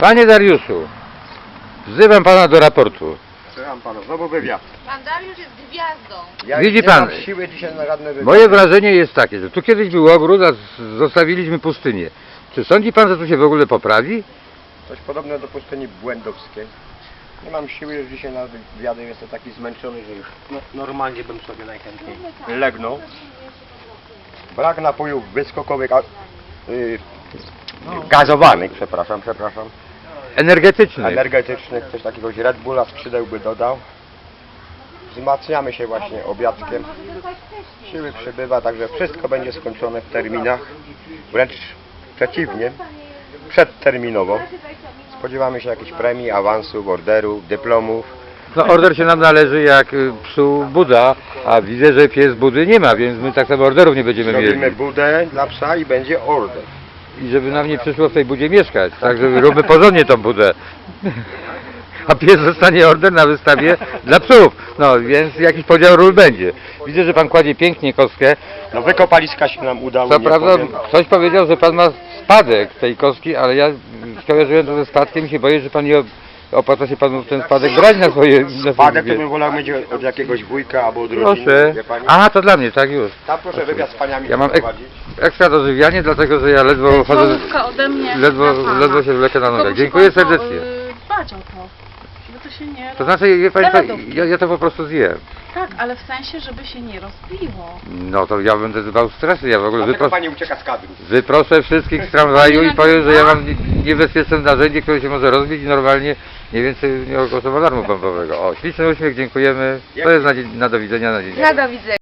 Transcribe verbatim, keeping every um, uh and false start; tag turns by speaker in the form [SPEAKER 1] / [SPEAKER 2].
[SPEAKER 1] Panie Dariuszu, wzywam pana do raportu.
[SPEAKER 2] Słucham pana, znowu wywiad.
[SPEAKER 3] Pan Dariusz jest gwiazdą.
[SPEAKER 2] Ja
[SPEAKER 1] Widzi
[SPEAKER 2] nie
[SPEAKER 1] pan,
[SPEAKER 2] mam siły dzisiaj na żadne wywiady.
[SPEAKER 1] Moje wrażenie jest takie, że tu kiedyś był ogród, a z- zostawiliśmy pustynię. Czy sądzi pan, że tu się w ogóle poprawi?
[SPEAKER 2] Coś podobne do pustyni błędowskiej. Nie mam siły już dzisiaj na wywiady, jestem taki zmęczony, że już no, normalnie bym sobie najchętniej legnął. Brak napojów wyskokowych, a, yy, gazowanych, przepraszam, przepraszam.
[SPEAKER 1] Energetyczny.
[SPEAKER 2] Energetycznych, coś takiego Red Bulla, skrzydeł by dodał. Wzmacniamy się właśnie obiadkiem. Siły przybywa, także wszystko będzie skończone w terminach. Wręcz przeciwnie, przedterminowo. Spodziewamy się jakichś premii, awansów, orderów, dyplomów.
[SPEAKER 1] No order się nam należy jak y, psu Buda, a widzę, że pies Budy nie ma, więc my tak samo orderów nie będziemy
[SPEAKER 2] Robimy
[SPEAKER 1] mieli.
[SPEAKER 2] budę dla psa i będzie order.
[SPEAKER 1] I żeby nam nie przyszło w tej budzie mieszkać, także róbmy porządnie tą budę. A pies dostanie order na wystawie dla psów. No więc jakiś podział ról będzie. Widzę, że pan kładzie pięknie kostkę.
[SPEAKER 2] No wykopaliska się nam udało,
[SPEAKER 1] Co
[SPEAKER 2] nie
[SPEAKER 1] prawda
[SPEAKER 2] powiem.
[SPEAKER 1] ktoś powiedział, że pan ma spadek tej kostki, ale ja skojarzyłem to ze spadkiem i się boję, że pan nie opłaca się panu ten spadek brać na swoje... Na
[SPEAKER 2] Spadek to
[SPEAKER 1] swoje...
[SPEAKER 2] bym wolał mieć od jakiegoś wujka albo od rodziny,
[SPEAKER 1] Proszę.
[SPEAKER 2] wie pani?
[SPEAKER 1] Aha, to dla mnie, tak już.
[SPEAKER 2] Tam proszę wywiad z paniami
[SPEAKER 1] Ja mam ek
[SPEAKER 2] prowadzić.
[SPEAKER 1] ekstra dożywianie, dlatego że ja ledwo chodzę,
[SPEAKER 4] Słówka ode mnie
[SPEAKER 1] ledwo,
[SPEAKER 4] dla pana.
[SPEAKER 1] ledwo się wlekę na
[SPEAKER 4] Tylko
[SPEAKER 1] nogach.
[SPEAKER 4] musi
[SPEAKER 1] Dziękuję
[SPEAKER 4] pan to,
[SPEAKER 1] serdecznie.
[SPEAKER 4] y, dbać o to, żeby to się nie...
[SPEAKER 1] To znaczy, wie pani,
[SPEAKER 4] Zaraz
[SPEAKER 1] co,
[SPEAKER 4] do-
[SPEAKER 1] ja, ja to po prostu zjem.
[SPEAKER 4] Tak, ale w sensie, żeby się nie rozbiło.
[SPEAKER 1] No to ja będę dbał stresu, ja w ogóle
[SPEAKER 2] Dlatego
[SPEAKER 1] wypros
[SPEAKER 2] pani ucieka z kadru.
[SPEAKER 1] wyproszę wszystkich z tramwaju i powiem, że ja mam nie- niebezpieczne narzędzie, które się może rozbić i normalnie nie więcej nie ogłoszę alarmu bombowego. O, śliczny uśmiech, dziękujemy. To jest na, dzie- na do widzenia na dzień.
[SPEAKER 3] Na do widzenia.